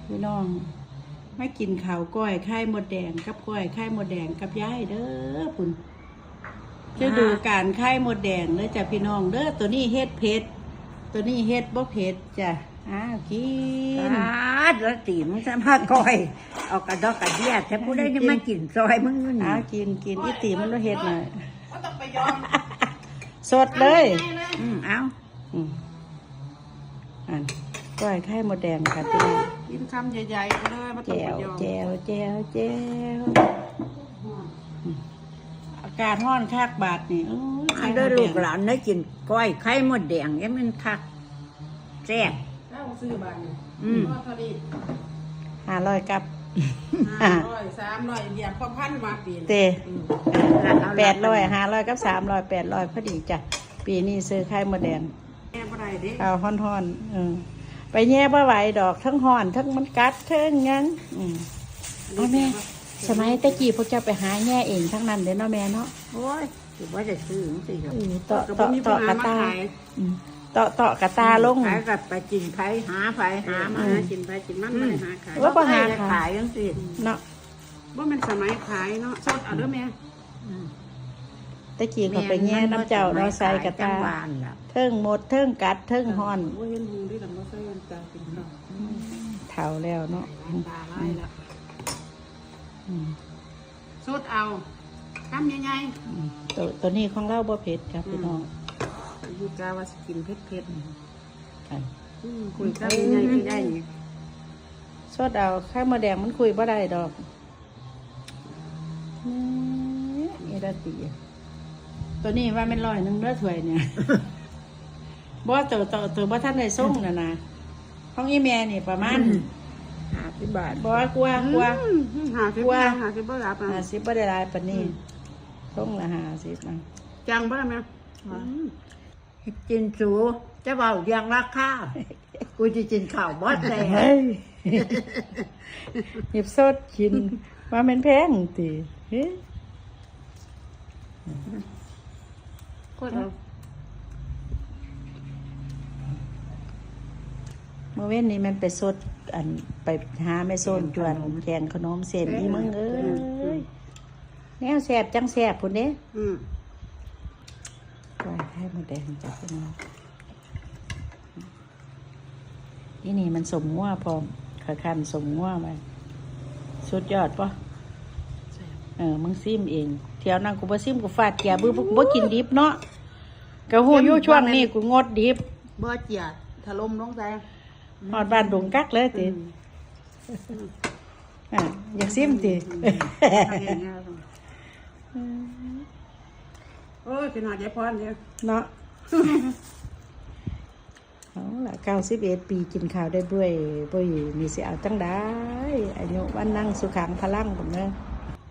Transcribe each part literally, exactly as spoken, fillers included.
พี่น้องไม่กินข้าวก้อยไข่มดแดงกับก้อยไข่มดแดงกับยายเด้อปุ่นจะดูการไข่มดแดงเด้อจ้ะพี่น้องเด้อตัวนี้เฮ็ดเผ็ดตัวนี้เฮ็ดบ่เผ็ดจ้ะอ้าวกินแล้วตีมึงจะมาก้อยเอากระดอกกระเดียดแต่ผู้ได้จะมากินซอยมึงนู่นอ้าวกินกินอีตีมันบ่เฮ็ดหน่อยก็ต้องไปยอมสดเลยอืมเอาอืมอันก้อยไข่มดแดงค่ะพี่น้องกินคำใหญ่ๆไปเลยมาต้องแจไปวยอมแจวแจวแจวอากาศร้อนคักบาดนี่โอ้ยอัไข่นมเด้อดแดลูงกหลานได้กินก้อยไข่มดแดงยังมันคักแซ่บแล้วซื้อบ้านนี่อืมก็เท่านี้ห้าร้อยกับห้าร้อยสามร้อยเหยียบพอพันมาปีนเตอืมแปดร้อยห้าร้อยกับสามร้อยแปดร้อยพอดีจ้ะปีนี้ซื้อไข่มดแดงแม่บ่ได้เด้เอาห่อนๆเออไปแย่บ่ไหวดอกทั้งห่อนทั้งมันกัดทั้งงั้นอืมเอาแม่สมัยตะกี้พวกเจ้าไปหาแย่เองทั้งนั้นเด้อเนาะแม่เนาะโอ้ยถือว่าจะซื้อจังสิครับเออต่อก็บ่ต่อมีต่อปัญหกระมาตาขายอืมต่อต่อกระตาลงขายกับไปกินไผหาไผหามาหากินไปกินมันไม่ได้หาขายว่าบ่หาขายจังสิเนาะว่ามันสมัยขายเนาะสดเอาเด้อแม่อืมตะกี้เขาไปแย่น้ำเจ้าเนาะใส่กระตาจังหวานล่ะเทิงหมดเทิงกัดเทิงห่อนว่าเห็นหูที่ลำบ่ใส่กันตากินข้าวเท่าแล้วเนาะตาลายละอืมสดเอาคำใหญ่อืมตัวตัวนี้ของเราบ่เผ็ดครับพี่น้องๆอยู่กาว่าสกินเผ็ดอันๆอืมคุยคำใหญ่ๆก็ได้นี่สดเอาไข่มดแดงมันคุยบ่ได้ดอกนี่ดาตีตัวนี้ว่ามันร้อยหนึงเด้อถ้วยเนี่ย บ่ตัวตัวตัวบ่ทันได้ส่งน่ะนะของอีแม่นี่ประมาณห้าสิบบาทบ่กลัวกลัวอืมหาสิบกลัวหาสิบบ่รับอ่ะห้าสิบบ่ได้หลายปานนี้ส่งละห้าสิบนะจังบ่ได้ไหมกินสูจะเบาเรียงราคากูจะกินข้าวบดเลยเฮ้ย หยิบสดกินว่ามันแพงติเฮ้ยก็เอาเมื่อเว้นนี้มันไปสดอันไปหาแม่โซนจวนแกงขนมเส้นอีมึงเอ้ยแนวแซ่บจังแซ่บพุ่นเด้อืมปล่อยให้หมดแดงจับขึ้นมาอีนี่มันสมงัวพร้อมขาคันสมงัวมาสุดยอดปะเออมึงซิมเองเที่ยวนั่งกูบ่ซิมกูฟาดแกบือบ่กินดิบเนาะกะหูอยู่ช่วงนี้กูงดดิบบ่เจียดถล่มลงใจหอดบ้านดงกักเลยติอ่ะอยากซิมติโอ้ยเป็นหอดยายพรเนี่ยเนาะเอาล่ะเก้าสิบเอ็ดปีกินข้าวได้ด้วยบ่ยมีสิเอาจังได้อายุวันนั่งสุขังพลังผมเนาะ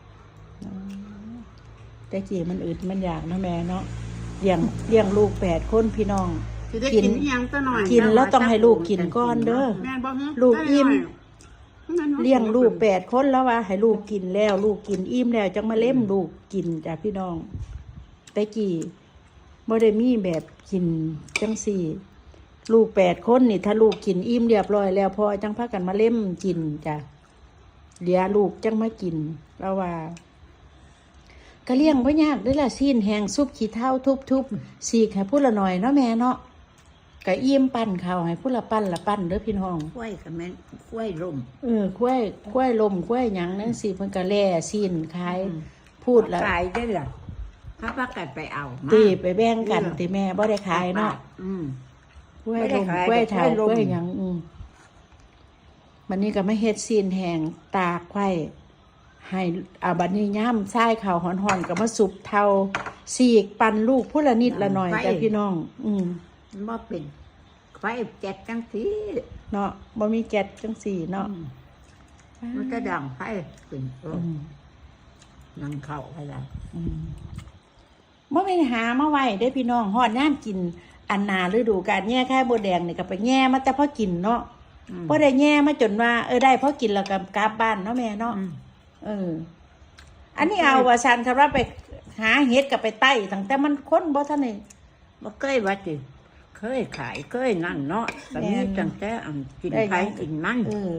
แต่กี้มันอึดมันอยากนะแม่เนาะเลี้ยงเลี้ยงลูกแปดคนพี่น้องสิได้กินอีหยังซะหน่อยกินแล้วต้องให้ลูกกินก่อนเด้อแม่นบ่ฮึลูกอิ่มได้หน่อยเลี้ยงลูกแปดคนแล้วว่าให้ลูกกินแล้ว ลูกกินอิ่มแล้วจังมาเล่มลูกกินจ้ะพี่น้องแต่กี้บ่ได้มีแบบกินจังสี่ ลูกแปดคนนี่ถ้าลูกกินอิ่มเรียบร้อยแล้วพอจังพากันมาเล่มกินจ้ะเดี๋ยวลูกจังมากินแล้วว่าก็เลี้ยงบ่ยากเด้อล่ะซีนแห้งซุปขี้เถ้าทุบๆสีกให้ผู้ละหน่อยเนาะแม่เนาะก็อิ่มปั้นข้าวให้ผู้ละปั้นละปั้นเด้อพี่น้องกล้วยกับแม่นกล้วยลมเออกล้วยกล้วยลมกล้วยหยังนั่นสิเพิ่นก็แล่ซีนขายพูดแล้วขายได้เหรอถ้าพักกันไปเอามาตีไปแบ่งกันตีแม่บ่ได้ขายเนาะอืมกล้วยไม่ได้ลมขายกล้วยเถากล้วยลมล้วยหยังอืมมันนี่ก็ไม่เฮ็ดซีนแห้งตากไว้ให้อาบัดนี้ย่ำทรายข้าวหอนๆก็มาสุบเทาสีกปั่นลูกผู้ละนิดละหน่อยจ้ะพี่น้อง อืมมันบ่เป็นไฟเจ็ดจังสีเนาะบ่มีแก๊สจังสี่เนาะมันจะดังไฟเป็นเอออืมนั่งเข้าไปแล้วอืมบ่ไปหามาไว้ได้อพี่น้องฮอดน้ำกิน อันนาฤดูกาลแง่ไข่มดแดงนี่ก็ไปแง่มาแต่พอกินเนาะบ่ได้แง่มาจนว่าเออได้พอกินแล้วก็กลับบ้านเนาะแม่เนาะอืมเออ อันนี้เอาว่าซันคำว่าไปหาเห็ดกับไปไต่ตั้งแต่มันค้นบ่ทันนี่บ่เคยว่าจิเคยขายเคยนั่นเนาะตอนนี้แม่นจังแต่อันกินได้ไผหยังกินมันเออ